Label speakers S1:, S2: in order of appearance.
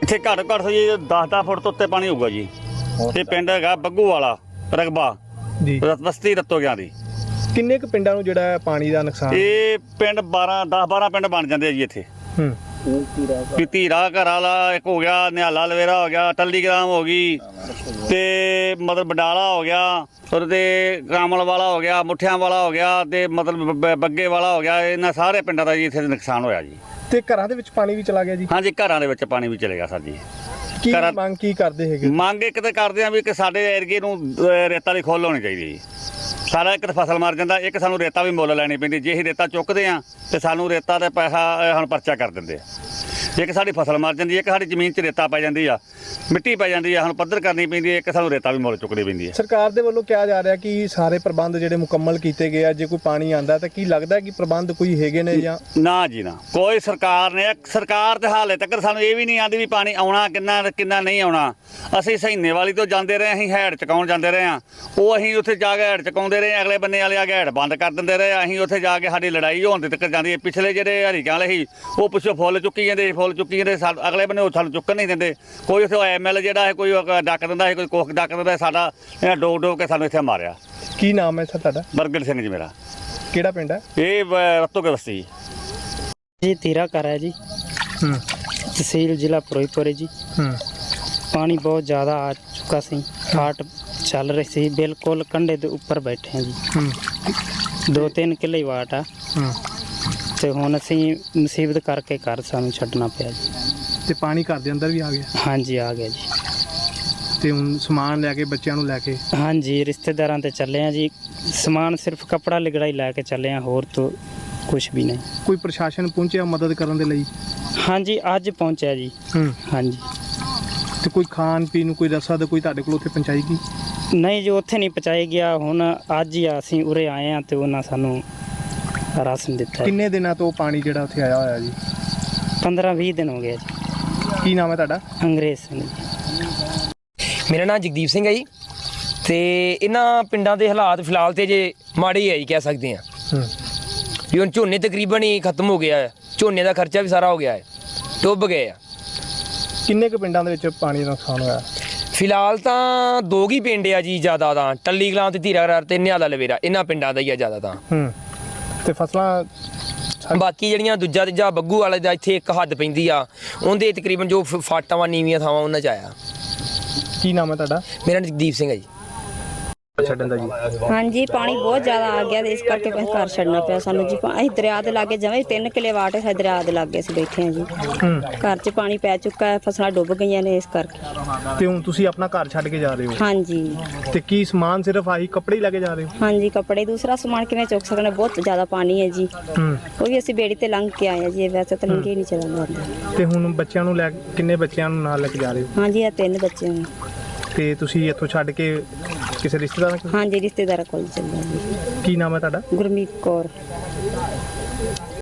S1: ਇੱਥੇ ਘੱਟ ਜੀ 10 ਫੁੱਟ ਤੋਂ ਉੱਤੇ ਪਾਣੀ ਹੋਊਗਾ ਜੀ। ਇਹ ਪਿੰਡ ਹੈਗਾ ਬੱਗੂ ਵਾਲਾ ਰਕਬਾ
S2: ਜੀ,
S1: ਬਸਤੀ ਰਤੋਗਿਆਂ ਦੀ।
S2: ਕਿੰਨੇ ਕੁ ਪਿੰਡਾਂ ਨੂੰ ਜਿਹੜਾ ਪਾਣੀ ਦਾ ਨੁਕਸਾਨ?
S1: ਇਹ ਪਿੰਡ 10-12 ਪਿੰਡ ਬਣ ਜਾਂਦੇ ਆ ਜੀ ਇੱਥੇ। ਵੀ ਧੀਰਾ ਘਰ ਵਾਲਾ ਇੱਕ ਹੋ ਗਿਆ, ਨਿਹਾਲਾ ਲਵੇਰਾ ਹੋ ਗਿਆ, ਟੱਲੀ ਗ੍ਰਾਮ ਹੋ ਗਈ, ਤੇ ਮਤਲਬ ਬਡਾਲਾ ਹੋ ਗਿਆ, ਫਿਰ ਤੇ ਕਾਮਲ ਵਾਲਾ ਹੋ ਗਿਆ, ਮੁੱਠਿਆਂ ਵਾਲਾ ਹੋ ਗਿਆ, ਤੇ ਮਤਲਬ ਬੱਗੇ ਵਾਲਾ ਹੋ ਗਿਆ। ਇਹਨਾਂ ਸਾਰੇ ਪਿੰਡਾਂ ਦਾ ਜੀ ਇੱਥੇ ਨੁਕਸਾਨ ਹੋਇਆ ਜੀ।
S2: ਤੇ ਘਰਾਂ ਦੇ ਵਿੱਚ ਪਾਣੀ ਵੀ ਚਲਾ ਗਿਆ ਜੀ?
S1: ਹਾਂਜੀ, ਘਰਾਂ ਦੇ ਵਿੱਚ ਪਾਣੀ ਵੀ ਚਲੇਗਾ ਸਰ ਜੀ।
S2: ਕੀ ਮੰਗ ਕੀ ਕਰਦੇ ਹੈਗੇ?
S1: ਮੰਗ ਇੱਕ ਤਾਂ ਕਰਦੇ ਆ ਵੀ ਕਿ ਸਾਡੇ ਏਰੀਏ ਨੂੰ ਰੇਤਾ ਦੀ ਖੁੱਲ੍ਹ ਹੋਣੀ ਚਾਹੀਦੀ ਜੀ। ਸਾਰਾ ਇੱਕ ਤਾਂ ਫਸਲ ਮਰ ਜਾਂਦਾ, ਇੱਕ ਸਾਨੂੰ ਰੇਤਾ ਵੀ ਮੁੱਲ ਲੈਣੀ ਪੈਂਦੀ। ਜੇ ਅਸੀਂ ਰੇਤਾ ਚੁੱਕਦੇ ਆ ਤੇ ਸਾਨੂੰ ਰੇਤਾ ਦਾ ਪੈਸਾ ਹੁਣ ਪਰਚਾ ਕਰ ਦਿੰਦੇ ਆ। ਇੱਕ ਸਾਡੀ ਫਸਲ ਮਰ ਜਾਂਦੀ ਹੈ, ਇੱਕ ਸਾਡੀ ਜ਼ਮੀਨ 'ਚ ਰੇਤਾ ਪੈ ਜਾਂਦੀ ਆ, ਮਿੱਟੀ ਪੈ ਜਾਂਦੀ ਆ, ਹੁਣ ਪੱਧਰ ਕਰਨੀ ਪੈਂਦੀ ਹੈ, ਇੱਕ ਸਾਨੂੰ ਰੇਤਾ ਵੀ ਮੁੱਲ ਚੁੱਕਣੀ ਪੈਂਦੀ ਹੈ।
S2: ਸਰਕਾਰ ਦੇ ਵੱਲੋਂ ਕਿਹਾ ਜਾ ਰਿਹਾ ਕਿ ਸਾਰੇ ਪ੍ਰਬੰਧ ਜਿਹੜੇ ਮੁਕੰਮਲ ਕੀਤੇ ਗਏ ਆ। ਜੇ ਕੋਈ ਪਾਣੀ ਆਂਦਾ ਤਾਂ ਕੀ ਲੱਗਦਾ ਕਿ ਪ੍ਰਬੰਧ ਕੋਈ ਹੈਗੇ ਨੇ ਜਾਂ
S1: ਨਾ ਜੀ ਨਾ, ਕੋਈ ਸਰਕਾਰ ਤੇ ਹਾਲੇ ਤੱਕ ਸਾਨੂੰ ਇਹ ਵੀ ਨਹੀਂ ਆਂਦੀ ਵੀ ਪਾਣੀ ਆਉਣਾ ਕਿੰਨਾ ਨਹੀਂ ਆਉਣਾ। ਅਸੀਂ ਸਹੀਨੇ ਵਾਲੀ ਤੋਂ ਜਾਂਦੇ ਰਹੇ, ਅਸੀਂ ਹੈਡ ਚਕਾਉਣ ਜਾਂਦੇ ਰਹੇ ਹਾਂ। ਉਹ ਅਸੀਂ ਉੱਥੇ ਜਾ ਕੇ ਹੈਡ ਚਕਾਉਂਦੇ ਰਹੇ, ਅਗਲੇ ਬੰਨੇ ਵਾਲੇ ਆ ਕੇ ਹੈਡ ਬੰਦ ਕਰ ਦਿੰਦੇ ਰਹੇ। ਅਸੀਂ ਉੱਥੇ ਜਾ ਕੇ ਸਾਡੀ ਲੜਾਈ ਹੋਣ ਦੇ ਤੱਕ ਜਾਂਦੀ ਹੈ। ਪਿਛਲੇ ਜਿਹੜੇ ਹਰੀਕਾਂ ਵਾਲੇ ਸੀ ਉਹ ਪਿੱਛੋਂ ਫੁੱਲ ਚੁੱਕੀ ਜਾਂਦੇ, ਅਗਲੇ ਬੰਨੇ ਉਹ ਸਾਨੂੰ ਚੁੱਕਣ ਨਹੀਂ ਦਿੰਦੇ। ਕੋਈ ਉੱਥੇ ਐਮਐਲ ਜਿਹੜਾ ਹੈ ਕੋਈ ਡੱਕ ਦਿੰਦਾ ਹੈ, ਕੋਈ ਕੁੱਖ ਡੱਕ ਦਿੰਦਾ। ਸਾਡਾ ਇਹਨਾਂ ਡੋਬ ਕੇ ਸਾਨੂੰ ਇੱਥੇ ਮਾਰਿਆ।
S2: ਕੀ ਨਾਮ ਹੈ ਸਰ ਤੁਹਾਡਾ?
S1: ਬਰਗੜ ਸਿੰਘ ਜੀ ਮੇਰਾ।
S2: ਕਿਹੜਾ ਪਿੰਡ ਹੈ?
S1: ਇਹ ਰਤੋਗੇ ਬਸਤੀ
S3: जी। तीरा कर है जी, तहसील जिला फिरोजपुर है जी। पानी बहुत ज़्यादा आ चुका सी, घाट चल रही सी, बिल्कुल कंढे के उपर बैठे हैं जी। 2-3 किले वाट आ ते हुण असीं मुसीबत करके घर सानूं छड्डना पिया जी।
S2: ਤੇ ਪਾਣੀ ਘਰ ਦੇ ਅੰਦਰ ਵੀ ਆ ਗਿਆ?
S3: हाँ जी, आ गया जी।
S2: ਤੇ ਹੁਣ ਸਮਾਨ ਲੈ ਕੇ ਬੱਚਿਆਂ ਨੂੰ ਲੈ ਕੇ?
S3: हाँ जी, रिश्तेदारां ते चले हैं जी। समान सिर्फ कपड़ा लिगड़ा ही लैके चले हैं, होर तो कुछ भी नहीं।
S2: ਕੋਈ ਪ੍ਰਸ਼ਾਸਨ ਪਹੁੰਚਿਆ ਮਦਦ ਕਰਨ ਦੇ ਲਈ?
S3: हाँ जी, अज पहुँचा जी। हाँ जी।
S2: ਤੇ ਕੋਈ ਖਾਣ ਪੀਣ ਨੂੰ ਕੋਈ ਰਸਦ ਕੋਈ ਤੁਹਾਡੇ ਕੋਲ ਉੱਥੇ ਪਹੁੰਚਾਈ ਗਈ?
S3: ਨਹੀਂ ਜੀ, ਉੱਥੇ ਨਹੀਂ ਪਹੁੰਚਾਇਆ ਗਿਆ। ਹੁਣ ਅੱਜ ਹੀ ਅਸੀਂ ਉਰੇ ਆਏ ਹਾਂ ਤੇ ਉਹਨਾਂ ਸਾਨੂੰ ਰਾਸ਼ਨ ਦਿੱਤਾ।
S2: ਕਿੰਨੇ ਦਿਨਾਂ ਤੋਂ ਪਾਣੀ ਜਿਹੜਾ ਉੱਥੇ ਆਇਆ ਹੋਇਆ ਜੀ?
S3: 15-20 ਦਿਨ ਹੋ ਗਏ ਜੀ।
S2: ਕੀ ਨਾਮ ਹੈ ਤੁਹਾਡਾ?
S3: ਅੰਗਰੇਜ਼ ਸਿੰਘ ਜੀ।
S4: ਮੇਰਾ ਨਾਮ ਜਗਦੀਪ ਸਿੰਘ ਹੈ ਜੀ। ਤੇ ਇਹਨਾਂ ਪਿੰਡਾਂ ਦੇ ਹਾਲਾਤ ਫਿਲਹਾਲ ਤੇ ਜੇ ਮਾੜੇ ਹੀ ਹੈ ਜੀ, ਕਹਿ ਸਕਦੇ ਹਾਂ। ਵੀ ਹੁਣ ਝੋਨੇ ਤਕਰੀਬਨ ਹੀ ਖਤਮ ਹੋ ਗਿਆ ਹੈ, ਝੋਨੇ ਦਾ ਖਰਚਾ ਵੀ ਸਾਰਾ ਹੋ ਗਿਆ ਹੈ, ਡੁੱਬ ਗਏ ਆ।
S2: ਕਿੰਨੇ ਕੁ ਪਿੰਡਾਂ ਦੇ ਵਿੱਚ ਪਾਣੀ ਦਾ ਨੁਕਸਾਨ ਹੋਇਆ?
S4: ਫਿਲਹਾਲ ਤਾਂ 2 ਹੀ ਪਿੰਡ ਆ ਜੀ ਜ਼ਿਆਦਾ ਤਾਂ, ਟੱਲੀ ਕਲਾਂ ਤੇ ਧੀਰਾ ਤੇ ਨਿਹਾਲਾ ਲਵੇਰਾ, ਇਹਨਾਂ ਪਿੰਡਾਂ ਦਾ ਹੀ ਆ ਜ਼ਿਆਦਾ ਤਾਂ।
S2: ਤੇ ਫਸਲਾਂ
S4: ਬਾਕੀ ਜਿਹੜੀਆਂ ਦੂਜਾ ਤੀਜਾ ਬੱਗੂ ਵਾਲੇ ਦਾ ਇੱਥੇ ਇੱਕ ਹੱਦ ਪੈਂਦੀ ਆ, ਉਹਦੇ ਤਕਰੀਬਨ ਜੋ ਫਾਟਾਂ ਵਾ ਨੀਵੀਆਂ ਥਾਵਾਂ ਉਹਨਾਂ 'ਚ ਆਇਆ।
S2: ਕੀ ਨਾਮ ਹੈ ਤੁਹਾਡਾ?
S4: ਮੇਰਾ ਨਾਮ ਜਗਦੀਪ ਸਿੰਘ ਹੈ ਜੀ।
S2: ਛੱਡਣ ਦਾ ਜੀ?
S5: ਹਾਂਜੀ, ਪਾਣੀ ਬਹੁਤ ਜ਼ਿਆਦਾ ਆ ਗਿਆ ਤੇ ਇਸ ਕਰਕੇ ਫਿਰ ਘਰ ਛੱਡਣਾ ਪਿਆ ਸਾਨੂੰ ਜੀ। ਅਸੀਂ ਦਰਿਆ ਦੇ ਲਾਗੇ ਜਮਾਂ 3 ਕਿਲੇ ਵਾਟ ਹੈ, ਦਰਿਆ ਦੇ ਲਾਗੇ ਅਸੀਂ ਬੈਠੇ ਹਾਂ ਜੀ। ਘਰ 'ਚ ਪਾਣੀ ਪੈ ਚੁੱਕਾ ਹੈ, ਫਸਲਾਂ ਡੁੱਬ ਗਈਆਂ ਨੇ ਇਸ ਕਰਕੇ।
S2: ਤੇ ਹੁਣ ਤੁਸੀਂ ਆਪਣਾ ਘਰ ਛੱਡ ਕੇ ਜਾ ਰਹੇ ਹੋ?
S5: ਹਾਂਜੀ।
S2: ਤੇ ਕੀ ਸਮਾਨ ਸਿਰਫ ਆਹੀ ਕੱਪੜੇ ਹੀ ਲੈ ਕੇ ਜਾ ਰਹੇ ਹੋ?
S5: ਹਾਂਜੀ, ਕੱਪੜੇ, ਦੂਸਰਾ ਸਮਾਨ ਕਿਵੇਂ ਚੁੱਕ ਸਕਦੇ? ਬਹੁਤ ਜ਼ਿਆਦਾ ਪਾਣੀ ਹੈ ਜੀ। ਉਹ ਵੀ ਅਸੀਂ ਬੇੜੀ ਤੇ ਲੰਘ ਕੇ ਆਏ ਹਾਂ ਜੀ, ਵੈਸੇ ਤਾਂ ਲੰਘੇ ਨਹੀਂ ਚੱਲਦਾ।
S2: ਤੇ ਹੁਣ ਬੱਚਿਆਂ ਨੂੰ ਕਿੰਨੇ ਬੱਚਿਆਂ ਨੂੰ ਨਾਲ ਲੈ ਕੇ ਜਾ ਰਹੇ ਹੋ?
S5: ਹਾਂਜੀ, ਇਹ 3 ਬੱਚੇ ਨੇ।
S2: ਤੇ ਤੁਸੀਂ ਇੱਥੋਂ ਛੱਡ ਕੇ ਕਿਸੇ ਰਿਸ਼ਤੇਦਾਰ ਕੋਲ?
S5: ਹਾਂਜੀ, ਰਿਸ਼ਤੇਦਾਰਾਂ ਕੋਲ ਚੱਲੇ ਜੀ।
S2: ਕੀ ਨਾਮ ਹੈ ਤੁਹਾਡਾ?
S5: ਗੁਰਮੀਤ ਕੌਰ।